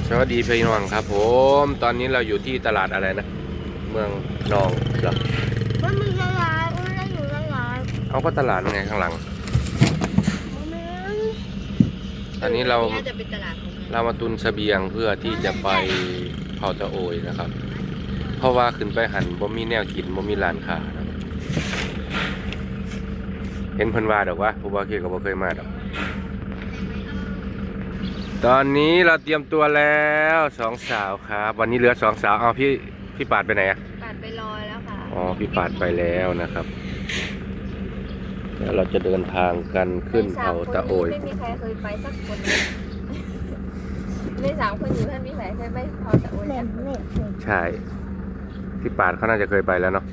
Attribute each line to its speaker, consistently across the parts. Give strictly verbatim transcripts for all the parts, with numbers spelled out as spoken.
Speaker 1: สวัสดีพี่น้องครับผมตอนนี้เราอยู่ที่ตลาดอะไรนะเมืองนองเหรอ
Speaker 2: มันมีตลาดมันได้อยู่ตลาด
Speaker 1: เอาก็ตลาดไงข้างหลังอันนี้เราเรามาตุนเสบียงเพื่อที่จะไปเผาตะโอยนะครับ เพราะว่าขึ้นไปหันบ่มีแนวกินบ่มีร้านค้านะเห็นเพิ่นว่าดอกว่าผู้บ่าวเคยก็บ่เคยมาดอกตอนนี้เราเตรียมตัวแล้วสองสาวครับวันนี้เหลือสองสาวเอาพี่พี่ปาดไปไหนอะ
Speaker 2: ปาดไปรอแล้วค่ะ
Speaker 1: อ๋อพี่ปาดไปแล้วนะครับแล้วเราจะเดินทางกันขึ้นเขาตะโอย
Speaker 2: ไม่มีใครเคยไปสักคนในสามคนอยู่ท่านมีใครเคยไปเขาตะโอย
Speaker 1: ใช่พี่ปาดเขาน่าจะเคยไปแล้วเนาะ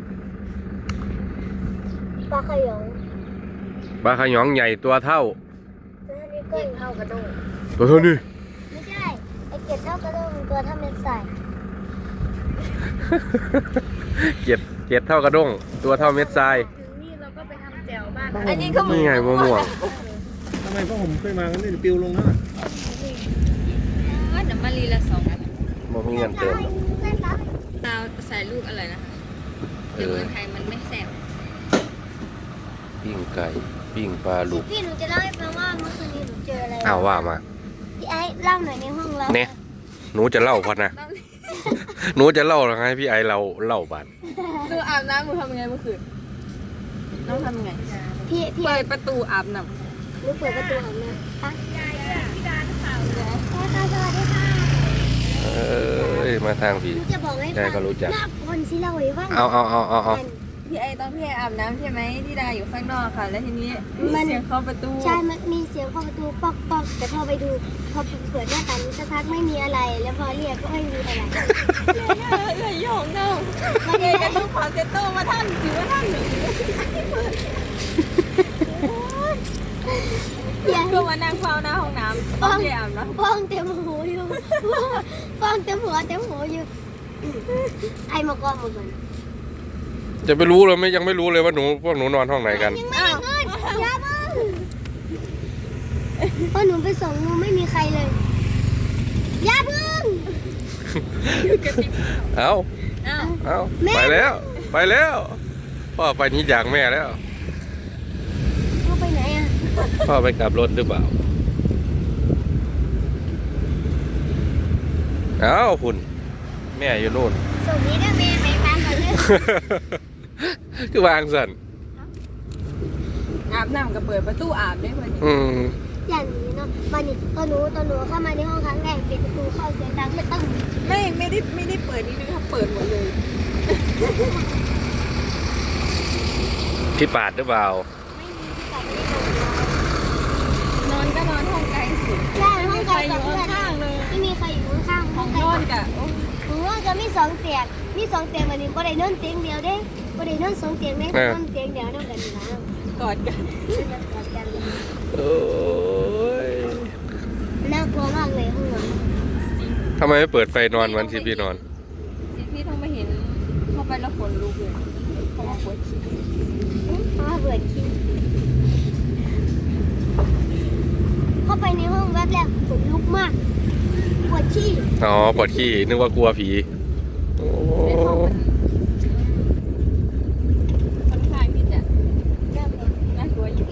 Speaker 2: ปลาขยง
Speaker 1: ปลาขยองใหญ่ตัวเท่า
Speaker 2: เกล็ดเท่ากระด้ง
Speaker 1: ตัวเท่านี้
Speaker 2: ไม่ใช่ไอเกล็ดเท่ากระด้งตัวเท่าเม็ดใส่
Speaker 1: เกล็ดเกล็ดเท่ากระด้งตัวเท่าเม็ดทราย
Speaker 2: นี่เราก็ไปทำแจ่วบ้านอันนี้ก็
Speaker 1: นี่ไงมะม่วง
Speaker 3: ทำไมพ่อผมเคยมากันนี่ปิวลงนะ
Speaker 2: ว่าน้ำมันลีละสองอัน
Speaker 1: บ่มีเงินเติม
Speaker 2: เราใส่ลูกอะไรนะคะเดี๋ยวเมืองไทยมันไม่แซ่บ
Speaker 1: ปิ้งไก่ปิ้งปลาลูก
Speaker 2: พี่หนูจะเล่าให้ฟังว่าเมื่อคืนนี้หนูเจออะไร
Speaker 1: อ้าวว่ามา
Speaker 2: พี่ไอ้เล่าหน่อยในห้องเรา
Speaker 1: เนี่ยหนูจะเล่าพอนะหนูจะเล่าหรือไงพี่ไอเราเล่าบ้าน
Speaker 2: หนูอาบน้ำหนูทำยังไงเมื่อคืนน้องทำยังไงพี่พี่เปิดประตูอาบน้ำหนูเปิดประตูอาบน้ำค่ะยายพี่ดาหรือเปล่าแม่สวัสดีค่ะ
Speaker 1: เอ้ยมาทางพี่
Speaker 2: จะบอกให้
Speaker 1: ยายก็รู้จัก
Speaker 2: หน้าคนสิเราไว้ว่า
Speaker 1: เอาเอาเอาเอาเอา
Speaker 2: พี่ไอตอนพี่ไออาบน้ำใช่ไหมที่ดาอยู่ข้างนอกค่ะแล้วทีนี้มีเสียงเคาะประตูใช่มันมีเสียงเคาะประตูป๊อกป๊อกแต่พอไปดูพอเปิดหน้าต่างสักพักไม่มีอะไรแล้วพอเรียกก็ไม่มีอะไรเลยโยงเน่าเลยก็ต้องขอเซตโต้มาท่านถือว่าท่านหนึ่งก็มานั่งเฝ้าหน้าห้องน้ำป้องเต็มนะป้องเต็มหูอยู่ป้องเต็มหัวเต็มหูอยู่ไอมากองหมดเลย
Speaker 1: จะไปรู้เลยไม่ยังไม่รู้เลยว่าหนูพวกหนูนอนห้องไหนกัน
Speaker 2: ยังไม่ได้เงินยาบ้าพอหนูไปส่งหนูไม่มีใครเลยยาพึ่ง
Speaker 1: เอาเอาไปแล้วไปแล้วพ่อไปนี่จากแม่แล้ว
Speaker 2: พ่อไปไหนอ่ะ
Speaker 1: พ่อไปกลับรถหรือเปล่าเอาคุณแม่อยู่นู่น
Speaker 2: ส่งนี้ได้แม่ไปทานก่อนเลย
Speaker 1: คือวางสัน
Speaker 2: อาบน้ำกับเปิดประตูอาบได้พอดีอย่างนี้เนาะมานี่ตอนหนูตอนหนูเข้ามาในห้องครั้งแรกปิดประตูเข้าเสียงดังไม่ต้องไม่ไม่ได้ไม่ได้เปิดนี่นะคะเปิดหมดเลย
Speaker 1: พี่ปาดหรือเปล่า
Speaker 2: ไม่มีพี่ปาดไม่ได้นอนนอนก็นอนห้องไกลสุดใช่ห้องไกลอยู่ข้างเลยไม่มีใครอยู่ข้างห้องนอนกะห้องนอนจะมีสองเตียงมีสองเตียงวันนี้ก็ได้นอนเตียงเดียวเด้ก็ได้นอนสองเตียงได้นอนเตียงเดียวนอนกันนะกอดกันกอดกัน
Speaker 1: โอ้ย
Speaker 2: น่ากลัวมากเลยห้องนอน
Speaker 1: ทำไมไม่เปิดไฟนอนวันที่พี่นอน
Speaker 2: ที่พี่ต้องไปเห็นเข้าไปแล้วขนลุกเลยเพราะว่าปวดขี้เพราะว่าปวดขี้เข้าไปในห้องแวบแรกขนลุกมากปวดขี้
Speaker 1: อ๋อปวดขี้นึกว่ากลัวผีโอ้
Speaker 2: ค่อนข้างที่จะน่ากลัวอยู่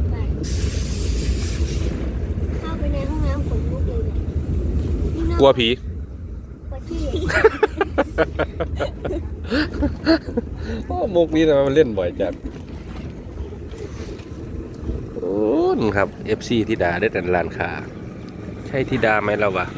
Speaker 2: เข้าไปในห้องน้ำขนลุกเลยเนี่ย
Speaker 1: กลัวผี
Speaker 2: ปวดขี้
Speaker 1: โอ้มุกนี้นะมันเล่นบ่อยจังโอ้ครับ เอฟ ซี ธิดาได้แต่ร้านค้าใช่ธิดาไหมเราวะ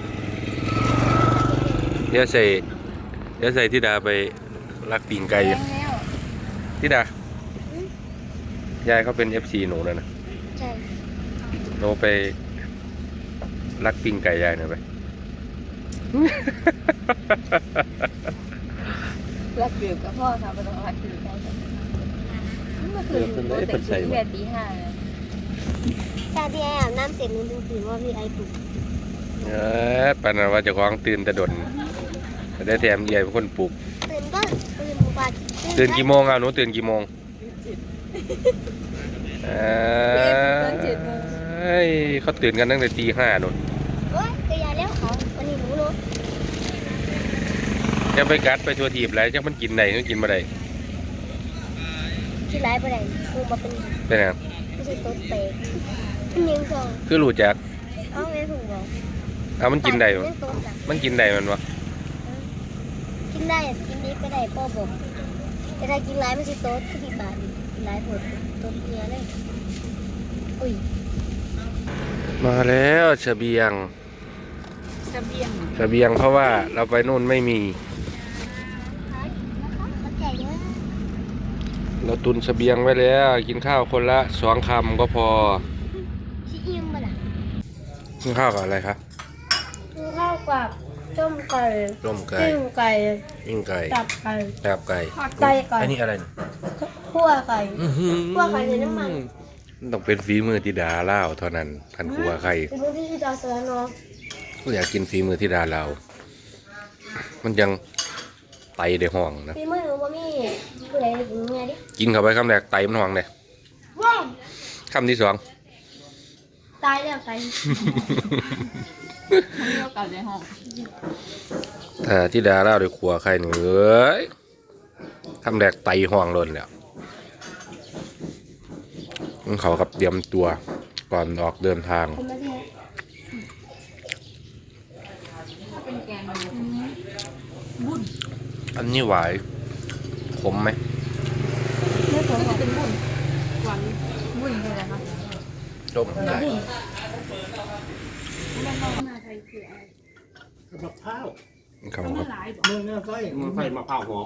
Speaker 1: เดี๋ยวใส่เดี๋ยวใส่ธิดาไปรักปีงไก่ธิดายายเขาเป็น เอฟ ซี หนูนะนะ
Speaker 2: ใช่
Speaker 1: หนูไปรักปีงไก่ยายหน่อยไป
Speaker 2: รักเกือบกับพ่อค่ะไม่ต้องรักเกือบได้เมื่อคืนหนูตื่นตั้งแต่ตีห้าใช่พี่ไอ้อาบน้ำเสร็จหนูถึงตื่นว่าพี่ไอ้ปลุก
Speaker 1: เออปานนั้นว่าจะคล้องตื่นแต่ดนได้แถมใหญ่เป็นคนปลุก
Speaker 2: ตื่นก็ตื่นกว่า
Speaker 1: ตื่นกี่โมงอ่ะหนูตื่นกี่โมงเอ้ยเขาตื่นกันตั้งแต่ตีห้านู่น
Speaker 2: เฮ้ยจะยาแล้วเขา
Speaker 1: จะไปกัดไปทัวทีบอะไรจะมันกินไหนมันกินมาได้
Speaker 2: ที่ร้ายไปไหนกูมาเป็น
Speaker 1: เป็นไง
Speaker 2: ไม่ใช่ตัวเตะยิงสอง
Speaker 1: คือรู้จัก
Speaker 2: เอาไงถูกบอก
Speaker 1: เอามันกินได้บ่
Speaker 2: เล่นตัวหนัก
Speaker 1: มันกินได้มันวะ
Speaker 2: กินได้กินนี้ก็ได้พ่อบอกแต่ถ้ากินร้ายไม่ใช่ตัวคือที่บาทกินร้ายปวดตัวเมียเลยอุ้ย
Speaker 1: มาแล้วเสบียง
Speaker 2: เสบียง
Speaker 1: เสบียงเพราะว่าเราไปนู่นไม่มี
Speaker 2: เขาแก่เยอะ
Speaker 1: เราตุนเสบียงไว้แล้วกินข้าวคนละสองคำก็พอ
Speaker 2: ที่อิ่มมาละ
Speaker 1: กินข้าวกับอะไรครับ
Speaker 2: กินข้าวกับต้มไก่
Speaker 1: ต้มไก่
Speaker 2: ปิ้งไก่
Speaker 1: ปิ้งไก่
Speaker 2: ตับไก่
Speaker 1: แกบไก่
Speaker 2: ไก่ไก่
Speaker 1: อันนี้อะไรเนี่ย
Speaker 2: คั่วไก่
Speaker 1: อื้อหือ
Speaker 2: คั่วไข่ในน้ำมัน
Speaker 1: ต้องเป็นฝีมือธิดาเล่าวเท่านั้นทันครัวไข่
Speaker 2: เป็นพวกที่ดาวเสือเนาะ
Speaker 1: ก็อยากกินฝีมือธิดาเราวมันยังไตได้ห้องนะ
Speaker 2: พี่มือหนูบ่มีผู้ใดกินไงดิ
Speaker 1: กินเข้าไปคำแรกไตมันห้องเลย
Speaker 2: ว้าว
Speaker 1: คำที่สอง
Speaker 2: ตายแล้วไก่
Speaker 1: ถ้าธิดาเล่าวได้ครัวไข่หนึ่งเอ้ยคำแรกไตห้องล้นแล้วมันเขากับเตรียมตัวก่อนออกเดินทาง
Speaker 2: คนมาที่
Speaker 1: อันนี้หวายขมไหม
Speaker 2: ไม่ผมบอก
Speaker 4: บุญเลยนะคะ
Speaker 1: จบได้
Speaker 3: มะพร้าว
Speaker 1: เขาครับ
Speaker 3: เมืองหน้าไฟ
Speaker 5: มันใส่มะพร้าวหอม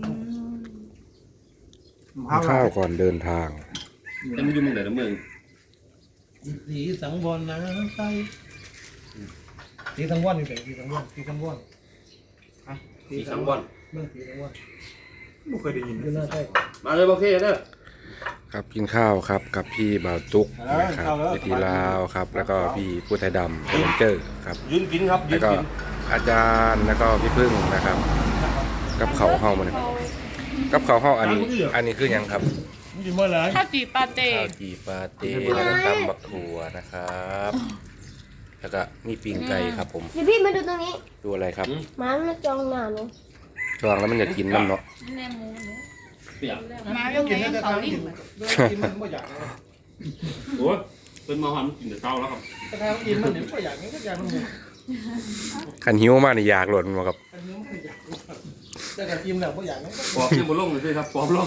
Speaker 3: มะพร้าว
Speaker 1: ข้าวก่อนเดินทาง
Speaker 5: แต่มันอยู่เมืองไหนนะเมือง
Speaker 3: สีสังวรนะไฟสีสังวรนี่เป็นสีสังวรสีสังวร
Speaker 5: สีสังวร
Speaker 3: เมืองสีสังวร
Speaker 5: ไม่เคยได้ยิน
Speaker 3: อยู่หน้าไฟ
Speaker 5: มาเลยโอเคเด้อ
Speaker 1: ครับกินข้าวครับกับพี่บ่าวตุ๊กนะครับพี่ทีลาวครับ แล้วก็พี่ผู้ไทยดำเลนเจอร์ครับ
Speaker 5: ยืนกินครับยื
Speaker 1: แล้ว
Speaker 5: น
Speaker 1: ก็
Speaker 5: กิน
Speaker 1: อาจารย์แล้วก็พี่พึ่งนะครับ กับเขาห้องมันกับเขาห้องอันนี้อันนี้คือหยังครับ
Speaker 3: มันอยู่เมื่อไหร่
Speaker 4: ข้าวจีปาเต้
Speaker 1: ข้าวจีปาเต้แล้วก็ตำบักถั่วนะครับ แล้วก็มีปิ้งไก่ครับผม
Speaker 2: เดี๋ยวพี่มาดูตรงนี้
Speaker 1: ดูอะไรครับ
Speaker 2: หมามันจองหน้าหนู
Speaker 1: จองแล้วมันจะกินน้ำเนาะ
Speaker 4: แน่หมูเนี่ย
Speaker 5: เปียก
Speaker 4: มาเรื่องไหนเขาลิ่ง
Speaker 3: กินมันไม่อยาก
Speaker 5: โอ้ยเป็นมาหอนกินแต่เช้าแล้วครับ
Speaker 3: แต่ถ้ากินมันเนี่ยไม่อยากนี่ก็อยากมันหมด
Speaker 1: ขันหิวมากนี่อยากหล่นมาครับ
Speaker 3: อันนี้ไม่อยากแต่ถ้ากินแล้วไม่อยากนี่ก็
Speaker 5: ปอบยังบนลงเลยสิครับปอบลง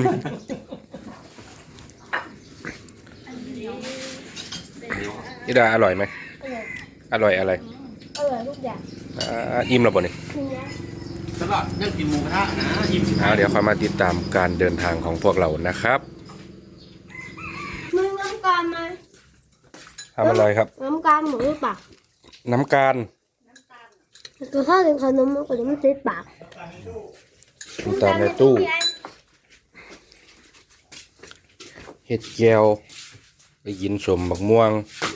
Speaker 1: นี่ดาอร่อยไหม
Speaker 2: อร่อย
Speaker 1: อร่อยอะไร
Speaker 2: อร่อยทุกอย่าง
Speaker 1: อ่าอิ่มแล้วบ่นี่
Speaker 2: ทีนี้
Speaker 5: สลัดยังกินหมูกระทะนะอิ่ม
Speaker 1: เอาเดี๋ยวค่อยมาติดตามการเดินทางของพวกเรานะครับ
Speaker 2: มึงน้ำกามมา
Speaker 1: ทำอะไรครับ
Speaker 2: น้ำกามหมูหรือเปล่า
Speaker 1: น้ำการ
Speaker 2: ตัวข้าวถึงขนมมันก็จะไม่ติดปาก
Speaker 1: น้ำตาลในตู้เห็ดแก้วไปกินสมบักม่วง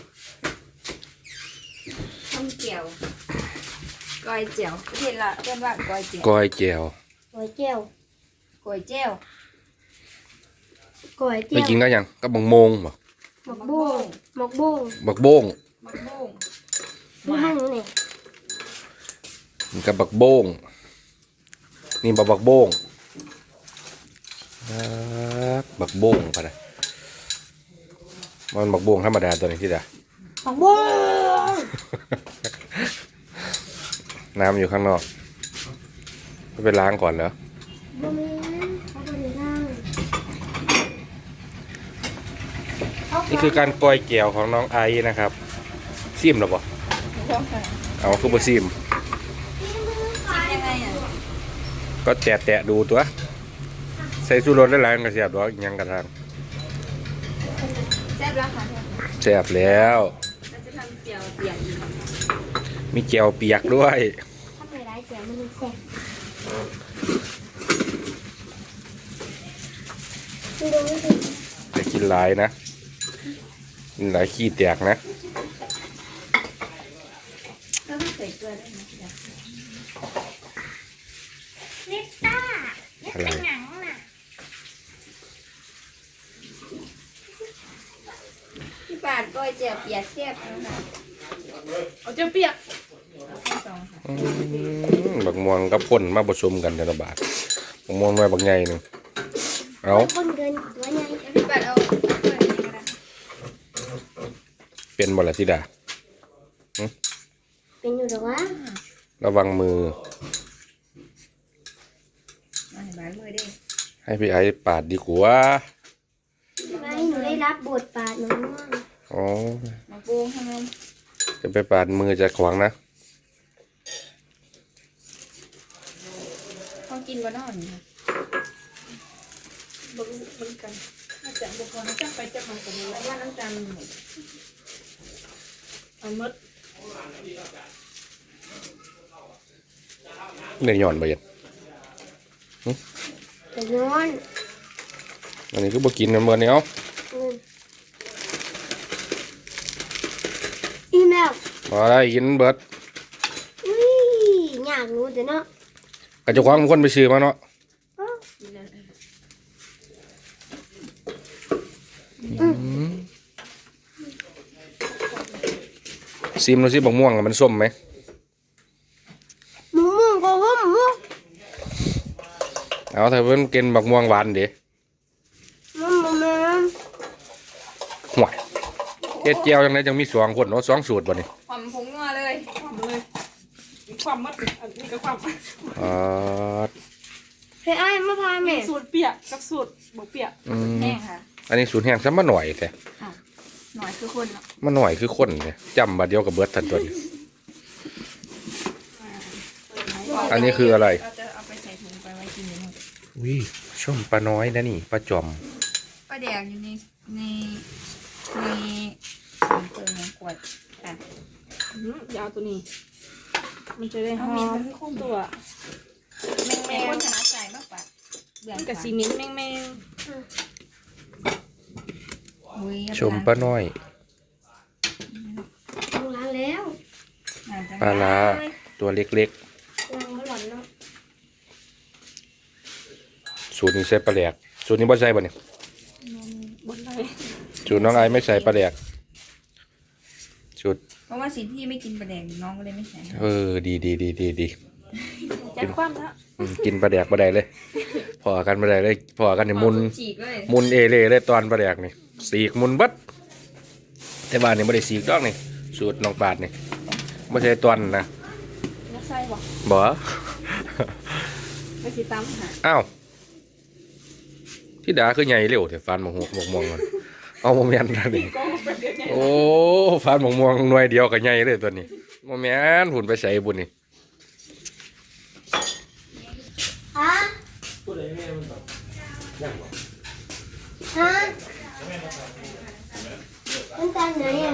Speaker 4: ทำเจียวกอยเจียวประเทศละเรียกว่ากอยเจียว
Speaker 1: ก้อยแก้ว
Speaker 2: ก๋วยเจียว
Speaker 4: กอยเจียว
Speaker 2: ก๋วยเจี
Speaker 1: ไป
Speaker 2: ยว
Speaker 1: กินก็ยังกับบักโมงบ่
Speaker 2: หมกบุ้งหมกบุ้ง
Speaker 1: บักโบ้ง
Speaker 4: มะม่วง
Speaker 2: นี่ให้หนูนี่
Speaker 1: มันกับบักโบ้งนี่บักบักโบ้งอ่าบักโบ้งปะนะมันบักโบ้งธรรมดาตัวนี้ที่ดา
Speaker 2: หมกบุ้ง
Speaker 1: น้ำอยู่ข้างนอกก็ไปล้างก่อนเหรอ
Speaker 2: บ่มีเขาเป็นทาง
Speaker 1: นี่คือการกล้อยแก้วของน้องไอซ์นะครับซิมหรอปะเอาคือบ่ซิม
Speaker 4: ยังไงอ่ะ
Speaker 1: ก็แตะแตะๆดูตัว ใส่ชูรสหลายๆก็เสียบดอกอิหยังกระทาง
Speaker 4: แซ่บแล้วค่ะ
Speaker 1: เสียบแล้ว
Speaker 4: เราจะทำเจียวเปียกอีก
Speaker 1: มีแก้วเปียกด้วย
Speaker 2: ถ้าไปร้ายเจียวมันแซ่บดูดูสิ
Speaker 1: แต่กินหลายนะกินหลายขี้แตกนะ
Speaker 4: ก็ต้องใส่เกลือด้วยนะ
Speaker 2: นิต้า
Speaker 1: อะไร
Speaker 2: หนังน่ะ
Speaker 4: พี่ปาดกอยเจียวเปียกแซ่บนะคะ
Speaker 6: เอาเจียวเปียก
Speaker 4: เอาแค่สองค่ะ
Speaker 1: อืมบักโมม่วงกับข้นมาผสมกันในระบาดมะม่วงไว้บางใหญ่หนึงเอา
Speaker 2: คนเกินตัวใหญ่
Speaker 4: พี่ปัดเอาเปิดนี่ก็ได้
Speaker 1: เป็นบ่ล่ะธิดา
Speaker 2: เป็นอยู่หรอวะ
Speaker 1: ระวังมือ
Speaker 4: มาให้บ้านมือดิ
Speaker 1: ให้พี่ไอ้ปาดดีกว่า
Speaker 2: ไม่หนูได้รับบทบาทน้อง
Speaker 1: อ๋อ
Speaker 4: มาปรุงให้มัน
Speaker 1: จะไปปาดมือจะขวางนะ
Speaker 4: เขากินบ่นอนนี่ค่ะบ่รู้เหมือนกันน่าจะบ่พอจักไปจักมาก็บ่รู้ว่าน้ำตาลมันหมดเอาหมด
Speaker 1: เนื้อหย่อนไปยัน
Speaker 2: แต่นอน
Speaker 1: อันนี้ก็บ่กินกันเมื่อนี้เอา
Speaker 2: อีแมว
Speaker 1: มาได้กินเบิด
Speaker 2: อุ้ยอยากรู้แต่เนาะ
Speaker 1: กระจะคว้างคนไปซื้อมาเนาะซิมดูสิบักม่วงอะมันส้มไหม
Speaker 2: หมูหมูก็ว่าหมู
Speaker 1: เอาถ้าเพิ่นกินบักม่วงหวานเดี๋ยว
Speaker 2: มันมันมัน
Speaker 1: ห่วยเฮ็ดเจียวจังไดจังมีสองคนเนาะสองสูตรบ่นี่
Speaker 4: ความผงนัวเลย
Speaker 6: เลยความมัดอันนี้ก็ความ
Speaker 1: อ่า
Speaker 2: เฮ้ยไอ้มาพาแม่
Speaker 6: สูตรเปียกกับสูตรบกเปียก
Speaker 1: อืม
Speaker 4: แห้งค่ะ
Speaker 1: อันนี้สูตรแห้งซะมาหน่อยแต่
Speaker 4: หน่อยคือคนเนาะ
Speaker 1: มาหน่อยคือคนเนี่ยจำบัดเดียวกับเบิดทันตัวนี้ อันนี้คืออะไร
Speaker 4: เราจะเอาไปใส่ถุงไปไว้กินอยู่หมด
Speaker 1: วิชมปลาน้อยนะนี่ปลาจอม
Speaker 4: ป้าแดงอยู่ในในในเปิดในขวดค่ะ
Speaker 6: อื้อยาวตัวนี้ มันจะได้ห
Speaker 4: เอา
Speaker 6: อ
Speaker 4: เมน
Speaker 6: ม
Speaker 4: มันคุ้ม
Speaker 6: ตัว
Speaker 4: แมงแมงคนชนะใจมากกว่าเบื่อ
Speaker 6: มันกับซีเมนต์แมงแมง
Speaker 4: อุ้ย
Speaker 1: ชมปลาน้อย
Speaker 2: ต้องล้างแล้ว
Speaker 1: ปลาลาตัวเล็ก
Speaker 2: ล้างแล้วหล่อนเนาะ
Speaker 1: ๆสูตรนี้ใส่ปลาแหลกสูตรนี้บ่ใส่บ่เนี่ย
Speaker 6: บนไหน
Speaker 1: สูตรน้องไอไม่ใส่ปลาแหลกสูตร
Speaker 4: เพราะว่าสิพี่ไม่กินปลาแดงน้องก็เลยไม่ใส่
Speaker 1: เออดีดีดีดีดี
Speaker 6: แจ็คความแล้ว
Speaker 1: อืมกินปลาแดกบ่ได้เลย พอกันบ่ได้เลยพอกันนี่มุน
Speaker 4: ฉีกเลย
Speaker 1: มุนเอเล่เลยตอนปลาแดกนี่สีกมุนเบัดแต่บ้านนี่บ่ได้สีกดอกนี่สูตรน้องปาดนี่บ่ใช่ตอนนะ
Speaker 6: นักไส้บอก
Speaker 1: บ่
Speaker 6: ไม่สีตั้มหา
Speaker 1: อ้าวที่ดาคือใหญ่เร็วแต่ฟันหมกหกหมกม่วงมันเอาบ่แม่นนะนี่
Speaker 6: ก็เป็นเด็กไง
Speaker 1: โอ้ฟันหมกม่วงหน่วยเดียวก็ใหญ่เลยตัวนี้บ่แม่นหุ่นไปใส่บุญนี่
Speaker 2: ฮะ
Speaker 3: พูดอะไรแม่มันแบบยังบอก
Speaker 2: ฮะมันตามไหนอ่ะ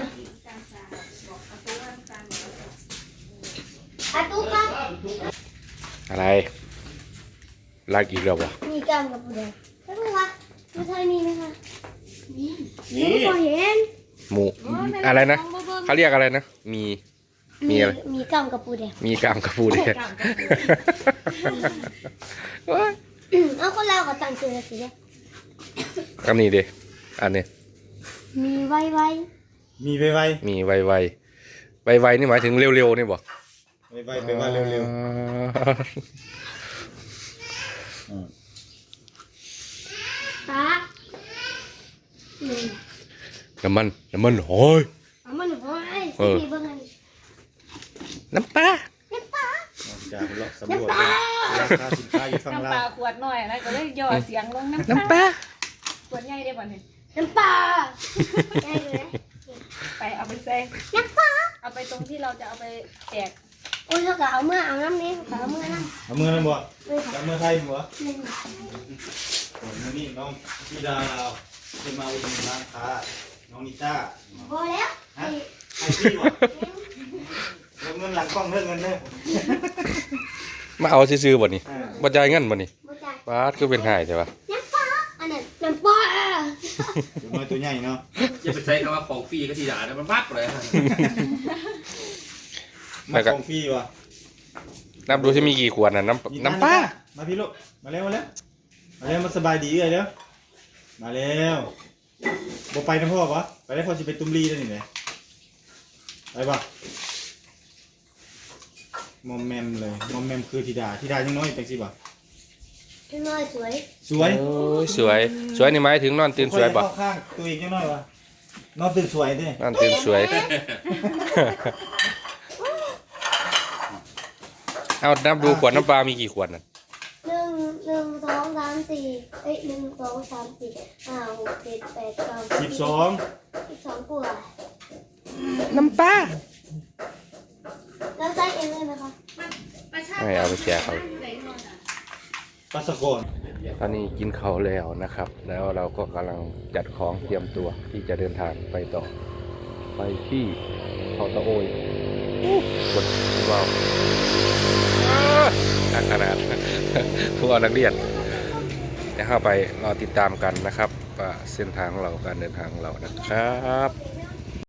Speaker 2: อาตุ๊กครับ
Speaker 1: อะไรลากอีกแล้วบ่
Speaker 2: มีกล้ามกับผู้ใดแล้วรู้วะไม่เคยมีไหมคะนี่นี่พอเห็น
Speaker 1: หมูอะไรนะเขาเรียกอะไรนะมี มีอะไร
Speaker 2: มีกล้ามกับผู้ใด
Speaker 1: มีกามกระปูเด้โอ้ย
Speaker 2: เอาคนเราก็ตั้งชื่อสิเนี่ย
Speaker 1: อันนี้เด้อันนี้
Speaker 2: มีไว้ไว้
Speaker 3: มีไปไว
Speaker 1: มีไวไวไวไวๆนี่หมายถึงเร็วๆนี่บ่
Speaker 3: ไปไวไปไวเร็ว
Speaker 2: ตานี่
Speaker 1: น้ำมันน้ำมันหอย
Speaker 2: เอามันหัวไอ้
Speaker 1: เออ
Speaker 2: ที่เบิ่งอัน
Speaker 1: น้ำปลา
Speaker 2: น้ำปลา
Speaker 3: ๆจากเลาะสำรวจราคาสินค้าอยู่ข้าง
Speaker 6: น้ำ
Speaker 3: ล่า
Speaker 6: ปลาง ขวดหน่อยนะก็เลยย่อเสียงลงน้ำ
Speaker 1: น้ำปลา
Speaker 6: ขวดใหญ่ได้บ่เนี่ย
Speaker 2: น้ำปลาได้เลยนะ
Speaker 6: ไปเอาไปใส่
Speaker 2: น้ำปลา
Speaker 6: เอาไปตรงที่เราจะเอาไปแจก
Speaker 2: โอ้ยเขาก็เอาเมื่อเอาน้ำนี้เขาก็เอาเมื่อน้ำ
Speaker 3: เอามือนั่นบ่
Speaker 2: เลยค่ะ
Speaker 3: จับมือไทยบ่
Speaker 2: นี่
Speaker 3: มือนี่น้องพี่ดาเราจะมาอุดหนุนร้านค้าน้องนิต้า
Speaker 2: พอแล้ว
Speaker 3: ฮะไอพี่บ่แล้วเงินหลังกล้องเรื่องเงินเด้อ
Speaker 1: มาเอาซื้อๆบ่นี่
Speaker 3: อ่า
Speaker 1: บ่จ่ายเงินบ่นี่
Speaker 2: บ่จ่าย
Speaker 1: บาดคือเป็นหายใช่ปะ
Speaker 2: น้ำปลาอันนั้นน้ำปลา
Speaker 3: ตัวน้อยตัวใหญ่เนาะ
Speaker 5: อย่าไปใช้คำว่าของฟรีก็ทีด่านะมันบักเลยฮะ
Speaker 3: มาของพี่วะ
Speaker 1: นับดูสิมีกี่ขวดน่ะน้ำน้ำปลา
Speaker 3: มาพี่ลูกมาเร็วมาเร็วมาเร็วมาสบายดีเลยเร็วมาเร็วบ่ไปนะพ่อวะไปได้พ่อสิไปตุ้มลีแล้วนี่แหละไปบ่มอมแมมเลยมอมแมมคือธิดาธิดายังน้อยจังสิบ่
Speaker 2: พี่น้อยสวย
Speaker 3: สวย
Speaker 1: โอ้ยสวยสวยนี่หมายถึงนอนตื่นสวยบ่
Speaker 3: เข้าข้างตัวเองยังน้อยวะนอนตื่นสวยดิ
Speaker 1: นอนตื่นสวย เอานับดูขวดน้ำปลามีกี่ขวดน่ะ
Speaker 2: หนึ่งหนึ่งสองสามสี่เอ้ยหนึ่งสองสามสี่ห้าหกเจ็ดแปดเก้า
Speaker 3: สิบสอง
Speaker 2: สิบสองขวด
Speaker 1: น้ำปลา
Speaker 2: แล้วใส่เองเลยไหมคะ
Speaker 1: ไม่เอาไปแจกเขา
Speaker 3: ปัสสกร
Speaker 1: ตอนนี้กินข้าวแล้วนะครับ แล้วเราก็กำลังจัดของเตรียมตัวที่จะเดินทางไปต่อ ไปที่เขาตะโอยกดว้าวน่าขนาด พวกนักเรียนจะเข้าไปรอติดตามกันนะครับว่าเส้นทางของเราการเดินทางของเรานะครับ